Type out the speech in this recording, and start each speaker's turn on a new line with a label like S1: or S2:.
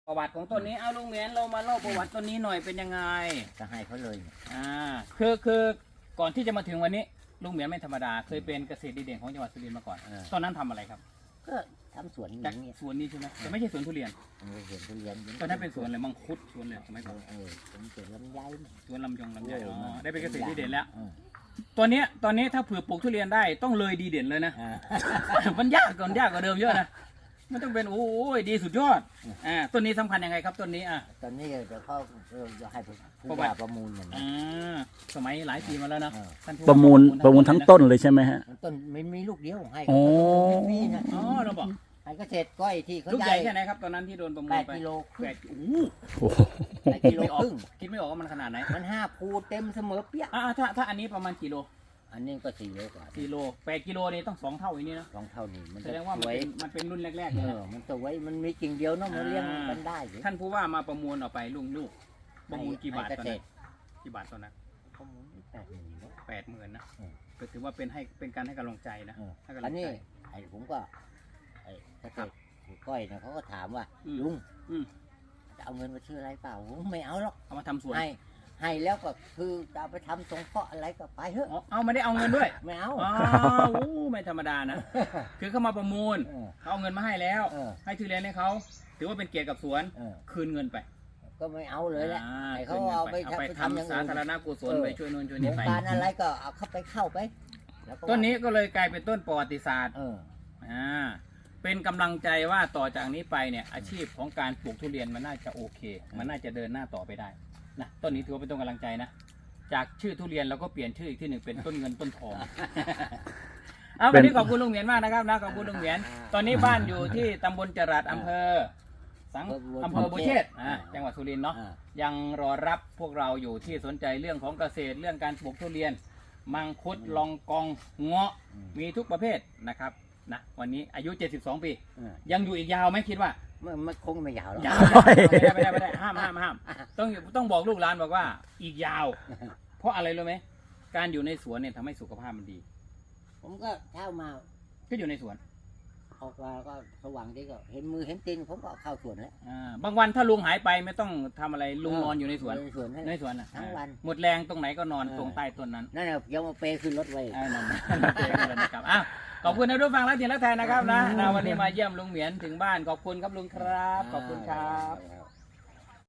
S1: ประวัติของต้นนี้เอาลุงเหมียนเรามาเล่าประวัติต้นนี้หน่อยเป็นยังไง
S2: จะให้เขาเลย
S1: คือก่อนที่จะมาถึงวันนี้ลุงเหมียนไม่ธรรมดาเคยเป็นเกษตรดีเด่นของจังหวัดสุรินทร์มาก่อนตอนนั้นทำอะไรครับ
S2: ก็ทำสวนอย่างนี้
S1: สวนนี้ใช่ไหมแต่ไม่ใช่สวนทุเรียน
S2: สวนทุเรียน
S1: ตอนนั้นเป็นสวนอะไรมังคุดสวนอะไรสมัยก่อน
S2: ผมสวนลำไย
S1: สวนลำไยได้เป็นเกษตรดีเด่นแล้วตอนนี้ถ้าเผื่อปลูกทุเรียนได้ต้องเลยดีเด่นเลยนะมันยากกว่าเดิมเยอะนะมันต้องเป็นโอ้ยดีสุดยอดต้นนี้สำคัญยังไงครับต้นนี้
S2: ตอนนี้เดี๋ยวเขาจะให้ผู้ว่าประมูลอย่างนี้
S1: สมัยหลายปีมาแล้วนะ
S3: ประมูลทั้งต้นเลยใช่ไหมฮะ
S2: ต้นไม่มีลูกเดียวให้
S1: มีนะเราบอก
S2: ให้เกษตรก้อยที่เขา
S1: ลูกใหญ่แค่ไหนครับตอนนั้นที่โดนประมูลไป
S2: 8 กิโล
S1: 8 กิโลครึ่งคิดไม่ออกว่ามันขนาดไหน
S2: มัน5 ภูเต็มเสมอเปี้ย
S1: ถ้าอันนี้ประมาณกิโล
S2: อันนี้ก็4 โลกว่า
S1: 4 โล 8 กิโลนี่ต้อง2 เท่าอย่างนี้นะ
S2: 2 เท่านี้
S1: มันแสดงว่ามันเป็นรุ่นแรกๆเลย
S2: มันสวยมันมีกิ่งเดียวเนาะมันเลี้ยงกันได้
S1: ท่านผู้ว่ามาประมูลออกไปลูกประมูลกี่บาทตอนนั้นกี่บาทตอนนั้น
S2: ประมูล
S1: 80,000นะก็ถือว่าเป็นการให้กำลังใจนะ
S2: อันนี้ผมก็เกษตรก้อยเนี่ยเขาก็ถามว่าลุงจะเอาเงินมาซื้ออะไรเปล่าผมไม่เอาหรอก
S1: เอามาทำสวน
S2: ให้แล้วก็คือจะเอาไปทำสงเคราะห์อะไรก็ไปเถอะ
S1: เอาไม่ได้เอาเงินด้วย
S2: ไม่เอา
S1: ไม่ธรรมดานะคือเขามาประมูลเขาเอาเงินมาให้แล้วให้ทุเรียนให้เขาถือว่าเป็นเกียรติกับสวนคืนเงินไป
S2: ก็ไม่เอาเลยแหละเขาเอาไปทำ
S1: สาธารณกุศลไปช่วยนู่นช่วยนี่ไป
S2: การอะไรก็เอาเข้าไป
S1: ต้นนี้ก็เลยกลายเป็นต้นประวัติศาสตร์เป็นกำลังใจว่าต่อจากนี้ไปเนี่ยอาชีพของการปลูกทุเรียนมันน่าจะโอเคมันน่าจะเดินหน้าต่อไปได้นะต้นนี้ถือว่าเป็นต้นกำลังใจนะจากชื่อทุเรียนเราก็เปลี่ยนชื่ออีกที่หนึ่งเป็นต้นเงินต้นทองวันนี้ขอบคุณลุงเหมียนมากนะครับนะขอบคุณลุงเหมียนตอนนี้บ้านอยู่ที่ตำบลจรัสอำเภอบัวเชษจังหวัดสุรินทร์เนาะยังรอรับพวกเราอยู่ที่สนใจเรื่องของเกษตรเรื่องการปลูกทุเรียนมังคุดลองกองเงาะมีทุกประเภทนะครับนะวันนี้อายุ72 ปียังอยู่อีกยาวไหมคิดว่า
S2: มันคงไม่ยาวหรอก
S1: ไม่ได้ห้ามต้องบอกลูกหลานบอกว่าอีกยาวเพราะอะไรรู้ไหมการอยู่ในสวนเนี่ยทำให้สุขภาพมันดี
S2: ผมก็เช้ามา
S1: ก็อยู่ในสวน
S2: ออกมาก็สว่างดีก็เห็นมือเห็นตีนผมก็เข้าสวนแล้ว
S1: บางวันถ้าลุงหายไปไม่ต้องทำอะไรลุงนอนอยู่ในสวน
S2: ทั้งวัน
S1: หมดแรงตรงไหนก็นอนตรงใต้ต้นนั้น
S2: นั่นแหละยังมาเปย์ขึ้นรถไว้
S1: นั่นนะครับขอบคุณนะทุกฟังและทีละไทยนะครับนะวันนี้มาเยี่ยมลุงเหมียนถึงบ้านขอบคุณครับลุงครับขอบคุณครับ